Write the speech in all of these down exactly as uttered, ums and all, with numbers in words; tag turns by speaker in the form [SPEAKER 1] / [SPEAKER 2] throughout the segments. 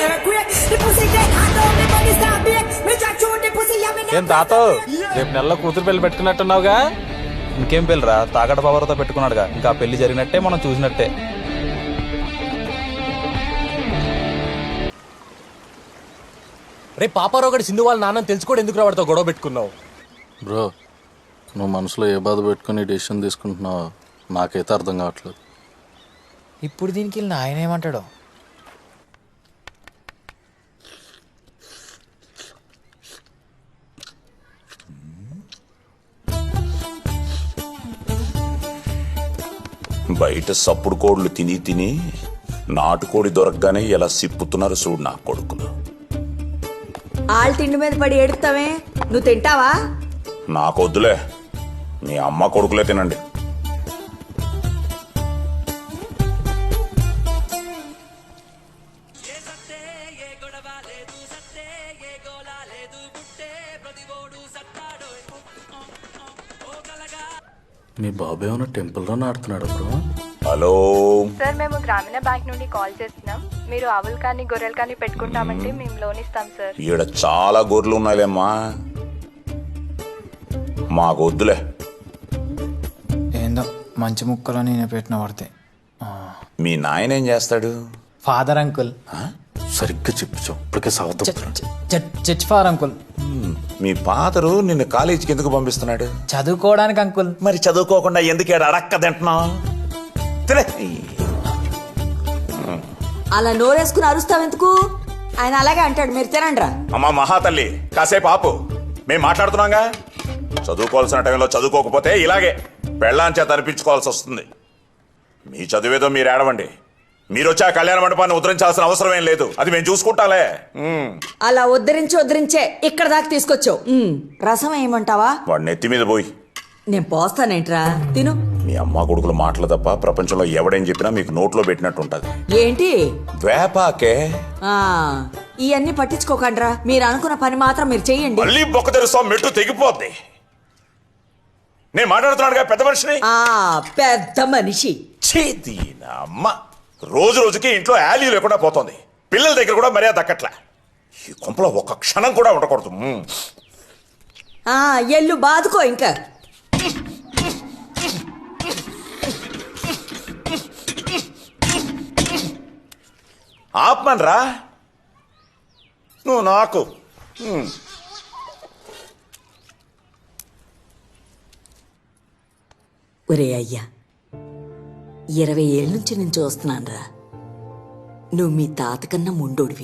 [SPEAKER 1] ఏం తాత రేపు నెలలో కూతురు పెళ్లి పెట్టుకున్నట్టున్నావుగా? ఇంకేం పెళ్ళిరా, తాగట పవర్తో పెట్టుకున్నాడుగా. ఇంకా పెళ్లి జరిగినట్టే, మనం చూసినట్టే.
[SPEAKER 2] రే పాపారావు గడి సింధు వాళ్ళ నాన్న తెలుసుకోవడం ఎందుకు రావడంతో గొడవ పెట్టుకున్నావు?
[SPEAKER 3] బ్రో, నువ్వు మనసులో ఏ బాధ పెట్టుకుని డెసిషన్ తీసుకుంటున్నావో నాకైతే అర్థం కావట్లేదు.
[SPEAKER 4] ఇప్పుడు దీనికి వెళ్ళిన ఆయన ఏమంటాడో.
[SPEAKER 5] బయట సప్పుడు కోళ్ళు తిని తిని నాటుకోడి దొరకగానే ఎలా సిప్పుతున్నారు చూడు నా కొడుకులు.
[SPEAKER 6] ఆళ్ళ తిండి మీద పడి ఏడుతావే, నువ్వు తింటావా?
[SPEAKER 5] నాకొద్దులే, మీ అమ్మ కొడుకులే తినండి.
[SPEAKER 3] మీ బాబు ఏమైనా టెంపుల్లో ఆడుతున్నాడు బ్రో?
[SPEAKER 5] హలో
[SPEAKER 7] సార్, మేము గ్రామీణ బ్యాంక్ నుండి కాల్ చేస్తున్నాం. మీరు ఆవులు కానీ గొర్రెలు కానీ పెట్టుకుంటామంటే మేము లోన్ ఇస్తాం సార్.
[SPEAKER 5] ఈడ చాలా గొర్రెలు ఉన్నాయిలేమ్మా, మాకొద్దులే.
[SPEAKER 4] ఏందో మంచి ముక్కలో నేను పెట్టిన పడితే.
[SPEAKER 5] మీ నాయన ఏం చేస్తాడు?
[SPEAKER 4] Father uncle.
[SPEAKER 3] సరిగ్గా చెప్పించావు, ఇప్పటికే సవతం.
[SPEAKER 4] Church father uncle.
[SPEAKER 5] మీ ఫాదరు నిన్ను కాలేజీకి ఎందుకు పంపిస్తున్నాడు?
[SPEAKER 4] చదువుకోవడానికి అంకుల్.
[SPEAKER 5] మరి చదువుకోకుండా ఎందుకు అడక్క తింటున్నావు?
[SPEAKER 6] అలా నోరేసుకుని అరుస్తావెందుకు? ఆయన అలాగే అంటాడు, మీరు తినండి రా.
[SPEAKER 5] అమ్మా మహాతల్లి, కాసేపు ఆపు, మేము మాట్లాడుతున్నాగా. చదువుకోవాల్సిన టైంలో చదువుకోకపోతే ఇలాగే పెళ్ళాం చేత అనిపించుకోవాల్సి వస్తుంది. మీ చదివేదో మీరు ఏడవండి. మీరు వచ్చి ఆ కళ్యాణ మండపాన్ని ఉద్ధరించాల్సిన అవసరం ఏం లేదు, అది మేము చూసుకుంటాలే.
[SPEAKER 6] అలా ఉద్ధరించి ఉద్ధరించే ఇక్కడ దాకా తీసుకొచ్చావు. రసం ఏమంటావా?
[SPEAKER 5] వాడు నెత్తి మీద పోయి.
[SPEAKER 6] నేను పోస్తానేంట్రా, తిను.
[SPEAKER 5] మీ అమ్మ కొడుకులు మాటలు తప్ప ప్రపంచంలో ఎవడేం చెప్పినా మీకు నోట్లో పెట్టినట్టు ఉంటది.
[SPEAKER 6] ఏంటి
[SPEAKER 5] వేపాకే?
[SPEAKER 6] ఆ ఇవన్నీ పట్టించుకోకండ్రా, మీరు అనుకున్న పని మాత్రం మీరు చెయ్యండి.
[SPEAKER 5] మళ్ళీ బొక్క తెరుస్తాం, మెట్టు తెగిపోద్ది. నేను మాట్లాడుతున్నాడుగా పెద్ద మనిషిని.
[SPEAKER 6] ఆ పెద్ద మనిషి
[SPEAKER 5] చేతి అమ్మ రోజు రోజుకి ఇంట్లో యాలీ లేకుండా పోతుంది. పిల్లల దగ్గర కూడా మర్యాద దక్కట్లా. ఈ కొంపలో ఒక్క క్షణం కూడా ఉండకూడదు.
[SPEAKER 6] ఆ ఎల్లు బాదుకో ఇంకా.
[SPEAKER 5] ఆపమనరా నువ్వు నాకు.
[SPEAKER 6] ఒరే అయ్యా, ఇరవై ఏళ్ళ నుంచి నేను చూస్తున్నానురా, నువ్వు మీ తాత కన్నా ముండోడివి.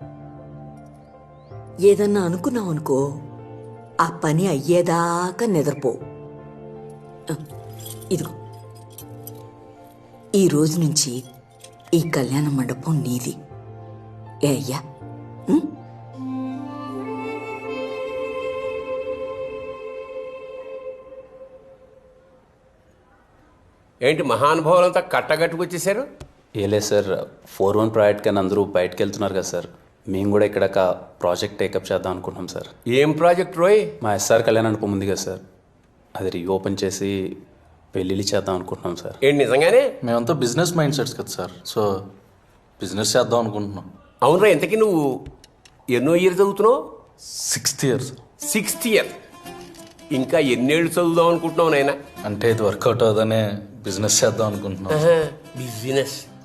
[SPEAKER 6] ఏదన్నా అనుకున్నావు అనుకో, ఆ పని అయ్యేదాకా నిద్రపో. ఇదిగో, ఈ రోజు నుంచి ఈ కళ్యాణ మండపం నీది. ఏ అయ్యా?
[SPEAKER 8] ఏంటి మహానుభావులంతా కట్టగట్టుకొచ్చేసారు?
[SPEAKER 9] ఏలే సార్, ఫోర్ వన్ ప్రాజెక్ట్ కానీ అందరూ బయటకు వెళ్తున్నారు కదా సార్, మేము కూడా ఇక్కడ ఒక ప్రాజెక్ట్ టేకప్ చేద్దాం అనుకుంటున్నాం సార్.
[SPEAKER 8] ఏం ప్రాజెక్ట్ రోయ్?
[SPEAKER 9] మా ఎస్ఆర్ కళ్యాణ మండపం ఉంది కదా సార్, అది రీఓపెన్ చేసి పెళ్ళిళ్ళు చేద్దాం అనుకుంటున్నాం సార్.
[SPEAKER 8] ఏంటి నిజంగానే?
[SPEAKER 3] మేమంతా బిజినెస్ మైండ్ సెట్స్ కదా సార్, సో బిజినెస్ చేద్దాం అనుకుంటున్నాం.
[SPEAKER 8] అవునరా, ఇంతకీ నువ్వు ఎన్నో ఇయర్ చదువుతున్నావు?
[SPEAKER 3] Sixth years.
[SPEAKER 8] Sixth year? ఇంకా ఎన్నేళ్ళు చదువుదాం అనుకుంటున్నావు నాయన?
[SPEAKER 3] అంటే ఇది వర్కౌట్ అవుదనే బిజినెస్ చేద్దాం అనుకుంటున్నాం.
[SPEAKER 8] బిజినెస్